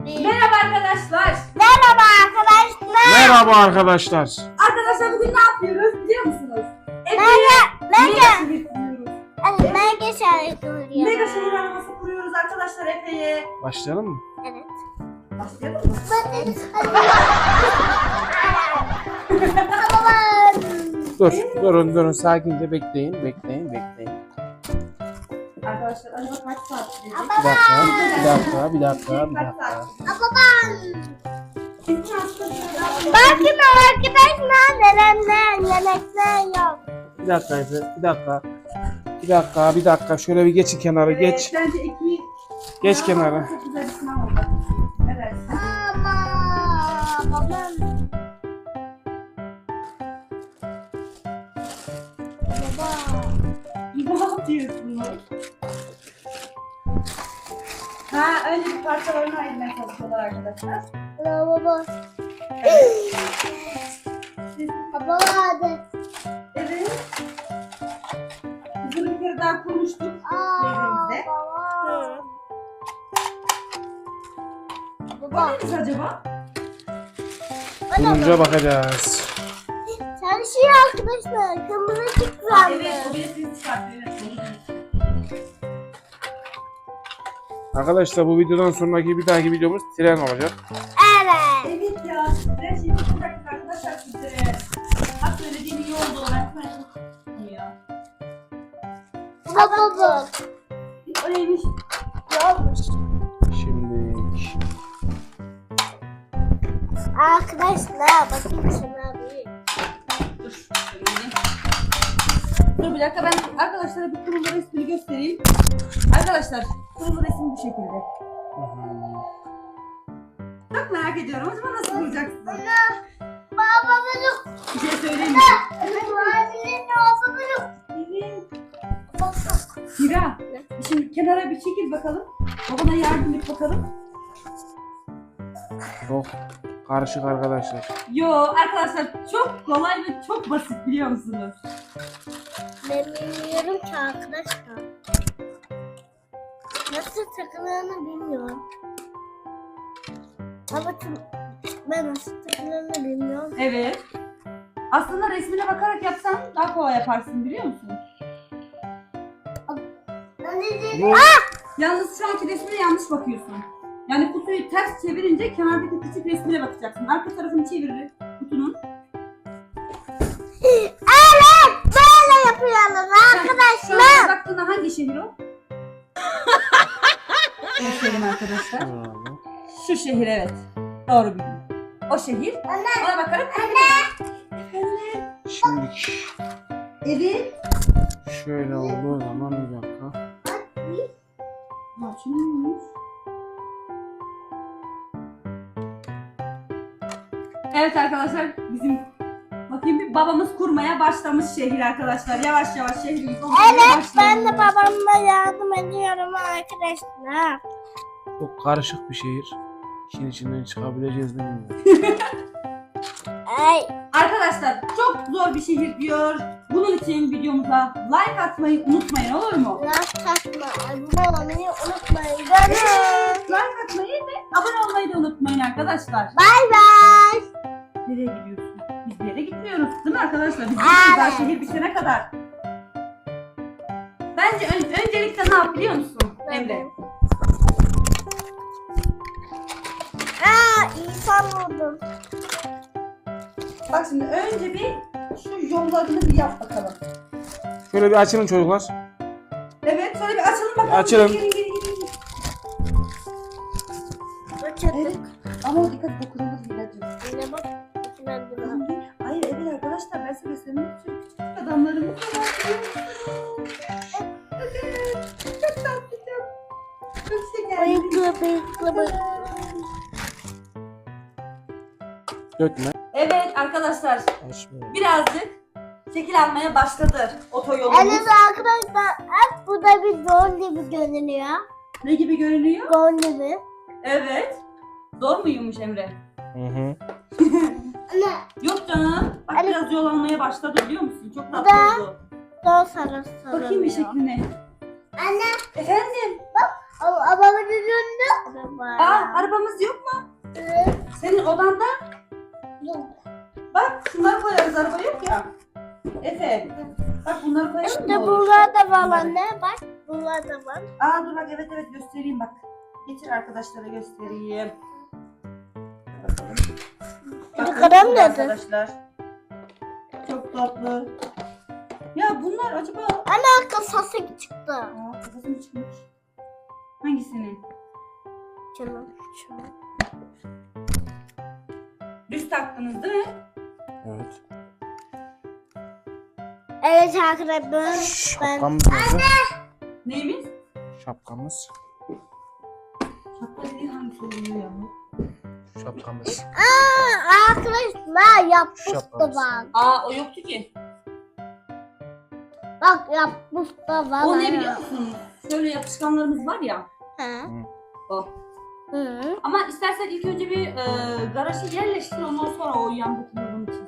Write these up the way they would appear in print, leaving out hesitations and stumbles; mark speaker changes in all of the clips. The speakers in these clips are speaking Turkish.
Speaker 1: Merhaba arkadaşlar.
Speaker 2: Merhaba arkadaşlar.
Speaker 3: Merhaba arkadaşlar.
Speaker 1: Arkadaşlar bugün ne yapıyoruz biliyor musunuz?
Speaker 2: Mega
Speaker 1: şehir kuruyoruz.
Speaker 2: Mega şarkı vuruyor.
Speaker 1: Mega şehir arabası kuruyoruz arkadaşlar Efe'ye.
Speaker 3: Başlayalım mı?
Speaker 2: Evet.
Speaker 1: Başlayalım mı?
Speaker 3: Durun sakince bekleyin.
Speaker 1: Arkadaşlar acaba kaç saat sürecek?
Speaker 3: Bir dakika.
Speaker 2: Babam. Bakın arkadaşlar neler yemekler yok.
Speaker 3: Bir dakika Efe. Bir dakika. Şöyle bir geçin kenara geç.
Speaker 1: Bence iki...
Speaker 3: Geç kenara.
Speaker 1: Çok güzel bir sınav oldu. Evet.
Speaker 2: Ama babam. Baba.
Speaker 1: Ne yapıyorsunuz? Önce bir parçalarını ayırmaya çalışıyorlar arkadaşlar.
Speaker 2: Baba. Baba hadi.
Speaker 1: Evet. Biz bunu bir kere daha kurmuştuk. Evimizde.
Speaker 2: Baba.
Speaker 1: O neymiş acaba?
Speaker 3: Durunca bakacağız.
Speaker 2: Çalışıyor arkadaşlar. Kırmızı çıktı.
Speaker 1: Evet, o birisini çıkartıyor.
Speaker 3: Arkadaşlar bu videodan sonraki bir dahaki videomuz tren olacak.
Speaker 2: Evet.
Speaker 1: Evet ya, her şeyi bıraktık arkadaşlar sizlere. Bak söylediğim iyi oldu, ben söyleyeyim.
Speaker 2: Baba.
Speaker 1: O neymiş?
Speaker 2: Yolmuş.
Speaker 3: Şimdi
Speaker 2: Arkadaşlar bakın şuna bir.
Speaker 1: Dur, söyleyeyim. Dur bir dakika, ben arkadaşlara bir kurulu resmini göstereyim. Arkadaşlar, kurulu resim bu şekilde. Çok merak ediyorum, acaba nasıl bulacaksın?
Speaker 2: Baba bunu.
Speaker 1: Bir şey söyleyeyim mi?
Speaker 2: Abinin olsa bunu.
Speaker 1: Hira, şimdi kenara bir çekil bakalım. Babana yardım et bakalım.
Speaker 3: çok karışık arkadaşlar.
Speaker 1: Yo arkadaşlar çok kolay ve çok basit biliyor musunuz?
Speaker 2: Ben bilmiyorum ki arkadaşlar. Nasıl takıldığını bilmiyorum. Ama ben nasıl takıldığını bilmiyorum.
Speaker 1: Evet. Aslında resmine bakarak yapsan daha kolay yaparsın biliyor musun?
Speaker 3: Bu
Speaker 1: Yalnız şu anki resmine yanlış bakıyorsun. Yani kutuyu ters çevirince kenardaki küçük resmine bakacaksın. Arka tarafını çevir kutunun.
Speaker 2: Evet, böyle yapıyoruz
Speaker 1: Şu
Speaker 2: arkadaşlar.
Speaker 1: an baktığında hangi şehir o? Gösterelim arkadaşlar. Şu şehir evet. Doğru bildin. O şehir. Ona bakarak.
Speaker 3: şimdi
Speaker 1: Evet.
Speaker 3: şöyle olduğu zaman bir dakika.
Speaker 1: Açılmış. Evet arkadaşlar bizim bakayım bir babamız kurmaya başlamış şehir arkadaşlar. Yavaş yavaş şehrimiz olmaya
Speaker 2: Evet, ben de
Speaker 1: başlıyor.
Speaker 2: babamla yardım ediyorum arkadaşlar.
Speaker 3: Çok karışık bir şehir. İşin içinden çıkabileceğiz mi bilmiyorum.
Speaker 2: Ay,
Speaker 1: Arkadaşlar çok zor bir şehir diyor. Bunun için videomuza like atmayı unutmayın olur mu?
Speaker 2: laf takma, abone olmayı unutmayın. Görüşürüz.
Speaker 1: Like atmayı ve abone olmayı da unutmayın arkadaşlar.
Speaker 2: Bay bay.
Speaker 1: Nereye gidiyorsun? Biz bir yere gitmiyoruz değil mi arkadaşlar? Biz
Speaker 2: Evet.
Speaker 1: daha şehir bitene kadar. Bence öncelikle ne yap biliyor musun Emre?
Speaker 2: İnsan buldum.
Speaker 1: Bak şimdi önce bir şu yollarını bir yap bakalım.
Speaker 3: Şöyle bir açılın çocuklar.
Speaker 1: Evet şöyle bir açalım bakalım.
Speaker 3: Açalım.
Speaker 1: Gelin. Evet. Ama dikkat et okulumuz Hiracığım.
Speaker 2: Yine bak. içinden bunu.
Speaker 1: Hayır evet arkadaşlar ben size göstermek için küçük adamlarımız var. Çok tatlı çok şekerli.
Speaker 2: Bıyıklı.
Speaker 3: Dökme.
Speaker 1: Evet arkadaşlar
Speaker 3: Açmıyorum.
Speaker 1: birazcık şekil almaya başladı otoyolumuz.
Speaker 2: Evet arkadaşlar, hep bu da bir don gibi görünüyor.
Speaker 1: Ne gibi görünüyor?
Speaker 2: Don gibi.
Speaker 1: Evet. Zor muymuş Emre?
Speaker 3: Hı.
Speaker 2: Anne,
Speaker 1: Yok canım. Bak
Speaker 2: Evet.
Speaker 1: biraz yol almaya başladı biliyor musun? Çok tatlı
Speaker 2: Da.
Speaker 1: oldu.
Speaker 2: don sarısı.
Speaker 1: Bakayım bir şekline.
Speaker 2: Anne,
Speaker 1: Efendim?
Speaker 2: Babamın önünde araba.
Speaker 1: Aa, arabamız yok mu?
Speaker 2: Evet.
Speaker 1: Senin odanda.
Speaker 2: Yok.
Speaker 1: Bak şunları koyarız, araba yok ya. Efe. Bak bunları koyalım
Speaker 2: İşte
Speaker 1: mı? Olur.
Speaker 2: bunlar da var anne. Bak bunlar da var.
Speaker 1: Aa dur bak, evet göstereyim bak. Getir arkadaşlara göstereyim. Bakalım. Bakın
Speaker 2: kalem
Speaker 1: şurada
Speaker 2: nerede?
Speaker 1: arkadaşlar. Çok tatlı. Ya bunlar acaba...
Speaker 2: Anne kasası çıktı.
Speaker 1: Aa, kafası mı çıkmış? Hangisini?
Speaker 2: Canım. Şunu.
Speaker 1: Düz taktınız değil mi?
Speaker 3: Evet.
Speaker 2: Evet arkadaşlar ben
Speaker 3: Şapkamız nerede?
Speaker 1: Neyimiz?
Speaker 3: Şapkamız.
Speaker 1: Şapka dediğin hangisi oluyor ya?
Speaker 3: Şapkamız.
Speaker 2: arkadaşlar yapmıştı
Speaker 3: Şapkamız.
Speaker 2: bak.
Speaker 1: Aa o yoktu ki.
Speaker 2: Bak yapmıştı bak.
Speaker 1: O ne biliyor musun? Şöyle yapışkanlarımız var ya.
Speaker 2: He.
Speaker 1: O.
Speaker 2: Hı.
Speaker 1: Ama istersen ilk önce bir garajı yerleştir, ondan sonra o yandaki yolunu çiz.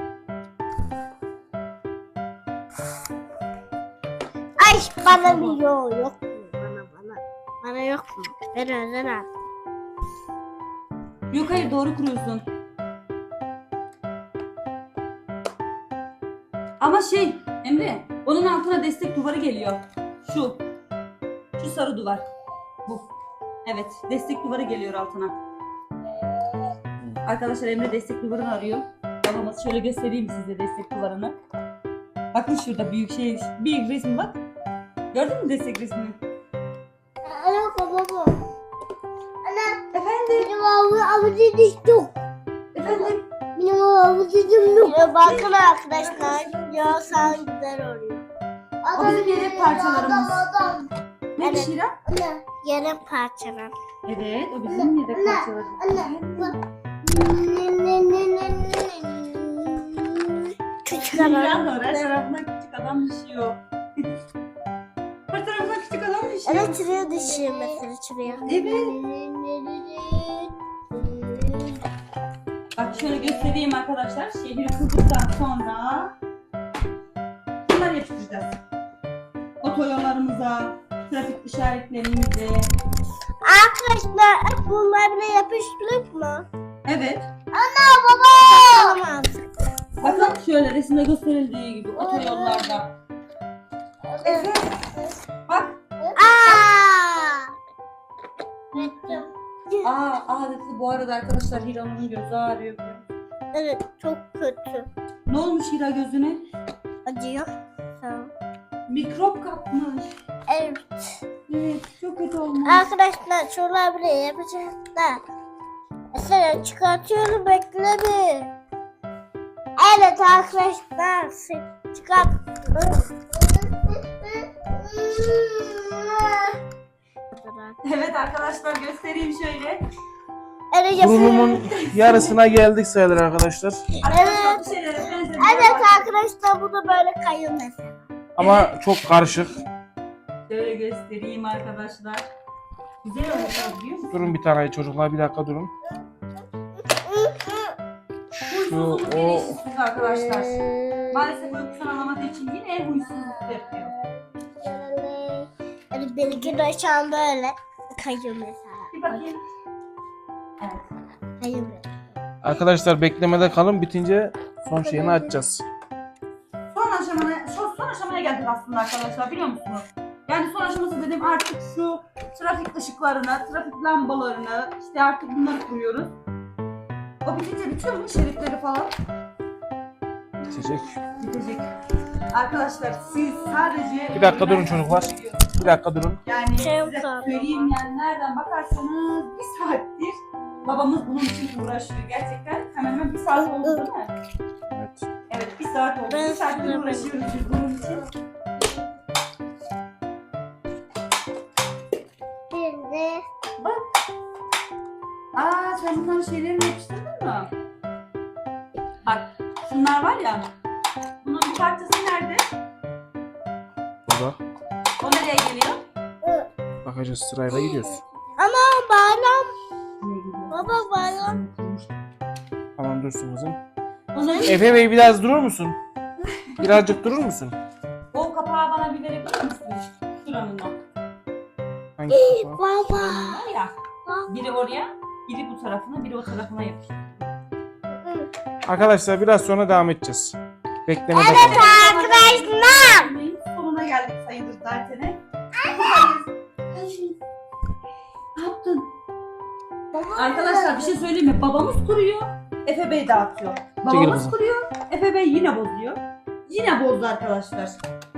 Speaker 2: Ay bana bir yok mu? Bana yok mu? Ben özel al.
Speaker 1: Yok hayır, doğru kuruyorsun. Ama şey Emre, onun altına destek duvarı geliyor. Şu sarı duvar. Bu. Evet, destek duvarı geliyor altına. Arkadaşlar Emre destek duvarını arıyor. Babamız şöyle göstereyim size destek duvarını. Bakın şurada büyük resmi bak. Gördün mü destek resmini?
Speaker 2: Anne baba. Anne
Speaker 1: Efendim?
Speaker 2: benim avucum yok.
Speaker 1: Efendim?
Speaker 2: Benim avucum yok. Ya bakın arkadaşlar. Ya sen güzel oluyor.
Speaker 1: O bizim yedek parçalarımız. Ne
Speaker 2: Evet.
Speaker 1: Şira?
Speaker 2: Anne yarım parçalar.
Speaker 1: Evet, o bizim yedek parçalarımız.
Speaker 2: Anne bak. Küçük
Speaker 1: Şira
Speaker 2: adam.
Speaker 1: var, her tarafından küçük adam düşüyor. Her tarafından küçük adam düşüyor.
Speaker 2: Evet çırıyor düşüyor mesela çırıyor.
Speaker 1: Evet. Bak şöyle göstereyim arkadaşlar. Şehri kurduktan sonra bunları yapıştıracağız. Otoyollarımıza, trafik işaretlerimize.
Speaker 2: Arkadaşlar bunlar bile yapıştırıp mı?
Speaker 1: Evet.
Speaker 2: Ana baba. Tamam.
Speaker 1: Bakın şöyle resimde gösterildiği gibi otoyollarda. Evet. Bak. Dedi bu arada arkadaşlar Hira'nın gözü ağrıyor.
Speaker 2: Evet çok kötü.
Speaker 1: Ne olmuş Hira gözüne?
Speaker 2: Acıyor. Tamam.
Speaker 1: Mikrop kapmış.
Speaker 2: Evet.
Speaker 1: Evet, çok kötü olmuş.
Speaker 2: Arkadaşlar şuralar bile yapacağız da. Mesela çıkartıyorum bekle bir. Evet arkadaşlar çıkart.
Speaker 1: Evet arkadaşlar göstereyim şöyle.
Speaker 2: Evet
Speaker 3: Durumun yarısına geldik sayılır arkadaşlar.
Speaker 1: Arkadaşlar bir şeylere benzemiş.
Speaker 2: Evet arkadaşlar bu da böyle kayıyor mesela.
Speaker 3: Ama çok karışık.
Speaker 1: Şöyle göstereyim arkadaşlar. Güzel olmuş biliyor musun?
Speaker 3: Durun bir tane çocuklar, bir dakika durun.
Speaker 1: Huysuzluk
Speaker 3: o-
Speaker 1: bilinçsiz arkadaşlar. Maalesef uykusunu alamadığı için yine huysuzluk yapıyor.
Speaker 2: Evet benimki de şu an böyle kayıyor mesela.
Speaker 1: Bir bakayım. Evet.
Speaker 2: Kayıyor böyle.
Speaker 3: Arkadaşlar beklemede kalın, bitince son şeyini açacağız.
Speaker 1: Son aşamaya geldik aslında arkadaşlar, biliyor musunuz? Yani son aşaması dedim, artık şu trafik ışıklarına, trafik lambalarını, işte artık bunları kuruyoruz. O bitince bitiyor mu şeritleri falan?
Speaker 3: Bitecek.
Speaker 1: Bitecek. Arkadaşlar siz sadece...
Speaker 3: Bir dakika durun çocuklar. Bir dakika durun.
Speaker 1: Yani
Speaker 2: Şey
Speaker 1: size
Speaker 2: yok.
Speaker 1: söyleyeyim, yani nereden bakarsanız bir saattir babamız bunun için uğraşıyor gerçekten. Hemen hemen bir saat oldu değil mi?
Speaker 3: Evet.
Speaker 1: Evet, bir saat oldu.
Speaker 2: Ben
Speaker 1: Bir saattir
Speaker 2: size
Speaker 1: uğraşıyoruz biz bunun için.
Speaker 2: Şimdi
Speaker 1: Bak. Sen bunların şeylerini yapıştırdın mı? Bak, şunlar var ya. Bunun bir parçası nerede?
Speaker 3: Burada.
Speaker 1: O nereye geliyor?
Speaker 3: Bakacağız, sırayla gidiyoruz.
Speaker 2: ama bayram
Speaker 1: Nereye gidiyor?
Speaker 2: baba bayram.
Speaker 3: Tamam dursun kızım.
Speaker 1: Onun
Speaker 3: Efe Bey biraz durur musun? Birazcık durur musun?
Speaker 1: o kapağı bana bir verebilir misin? Şuranın o.
Speaker 3: Hangi kapağı?
Speaker 2: Baba.
Speaker 1: Var ya. Biri oraya, biri bu tarafına, biri o tarafına yapıştı.
Speaker 3: Arkadaşlar biraz sonra devam edeceğiz. Beklemede
Speaker 2: Evet
Speaker 3: kalın.
Speaker 2: arkadaşlar.
Speaker 1: Sonuna geldik sayılır zaten. Ne yaptın? Arkadaşlar bir şey söyleyeyim mi? Babamız kuruyor, Efe Bey dağıtıyor. Babamız
Speaker 3: kızım.
Speaker 1: kuruyor, Efe Bey yine bozuyor. Yine bozdu arkadaşlar.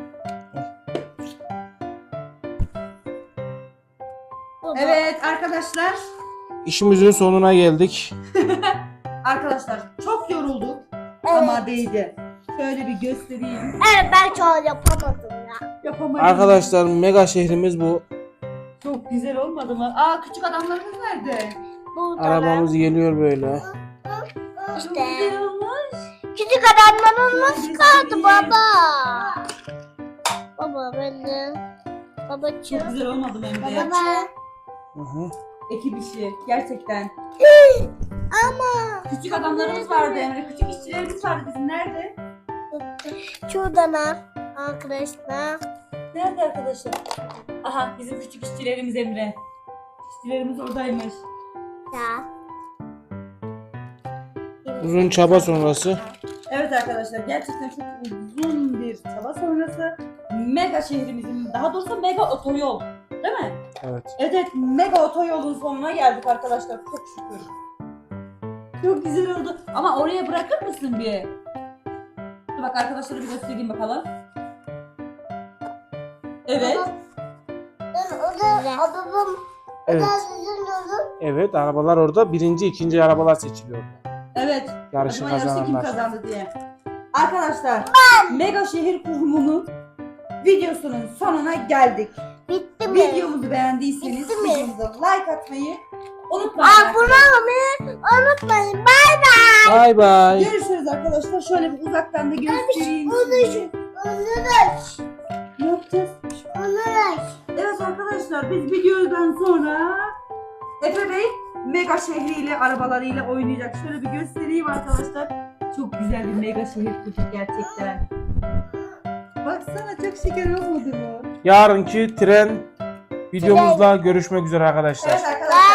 Speaker 1: Evet arkadaşlar.
Speaker 3: İşimizin sonuna geldik.
Speaker 1: Arkadaşlar çok yorulduk
Speaker 2: Evet.
Speaker 1: ama değdi. Şöyle bir göstereyim.
Speaker 2: Evet ben çok yapamadım ya.
Speaker 1: Yapamadım.
Speaker 3: Arkadaşlar mega şehrimiz bu.
Speaker 1: Çok güzel olmadı mı? Aa küçük adamlarımız nerede?
Speaker 2: Burada
Speaker 3: Arabamız geliyor böyle.
Speaker 1: Çok
Speaker 2: İşte.
Speaker 1: güzel olmuş.
Speaker 2: Küçük adamların nasıl
Speaker 1: Şöyle
Speaker 2: kaldı
Speaker 1: göstereyim.
Speaker 2: baba? Baba ben de.
Speaker 1: Çok
Speaker 2: Babacığım.
Speaker 1: güzel olmadı mı Emre?
Speaker 2: Baba.
Speaker 3: Hı hı.
Speaker 1: Ekip işi gerçekten.
Speaker 2: Ama.
Speaker 1: Küçük adamlarımız vardı Emre. Küçük işçilerimiz vardı bizim. Nerede?
Speaker 2: Şuradan al arkadaşlar.
Speaker 1: Nerede arkadaşlar? Aha bizim küçük işçilerimiz Emre. İşçilerimiz oradaymış.
Speaker 2: Ya.
Speaker 3: Uzun çaba sonrası.
Speaker 1: Evet arkadaşlar gerçekten çok uzun bir çaba sonrası mega şehrimizin, daha doğrusu mega otoyol, değil mi?
Speaker 3: Evet.
Speaker 1: Evet, mega otoyolun sonuna geldik arkadaşlar, çok şükür. Çok güzel oldu ama oraya bırakır mısın bir? Dur bak arkadaşlara bir göstereyim bakalım. Evet.
Speaker 2: O da babam.
Speaker 3: Evet.
Speaker 2: Sizin yolun.
Speaker 3: Evet, arabalar orada. Birinci, ikinci arabalar seçiliyor.
Speaker 1: Evet.
Speaker 3: Yarışı
Speaker 1: Acaba yarışı kim
Speaker 3: kazananlar.
Speaker 1: kazandı diye. Arkadaşlar mega şehir kurumunun videosunun sonuna geldik.
Speaker 2: Bitti mi?
Speaker 1: Videomuzu beğendiyseniz
Speaker 2: Bitti mi?
Speaker 1: videomuza like atmayı unutmayın.
Speaker 2: Abone olmayı unutmayın. Bay bay.
Speaker 3: Bay bay.
Speaker 1: Görüşürüz arkadaşlar. Şöyle bir uzaktan da göstereyim.
Speaker 2: Onur.
Speaker 1: Ne yapacağız?
Speaker 2: Onur.
Speaker 1: Evet arkadaşlar biz videodan sonra Efe Bey mega şehriyle arabalarıyla oynayacak. Şöyle bir göstereyim arkadaşlar. Çok güzel bir mega şehir kurduk gerçekten. Baksana çok şeker olmadı mı?
Speaker 3: Yarınki tren videomuzla görüşmek üzere arkadaşlar.
Speaker 1: Evet arkadaşlar.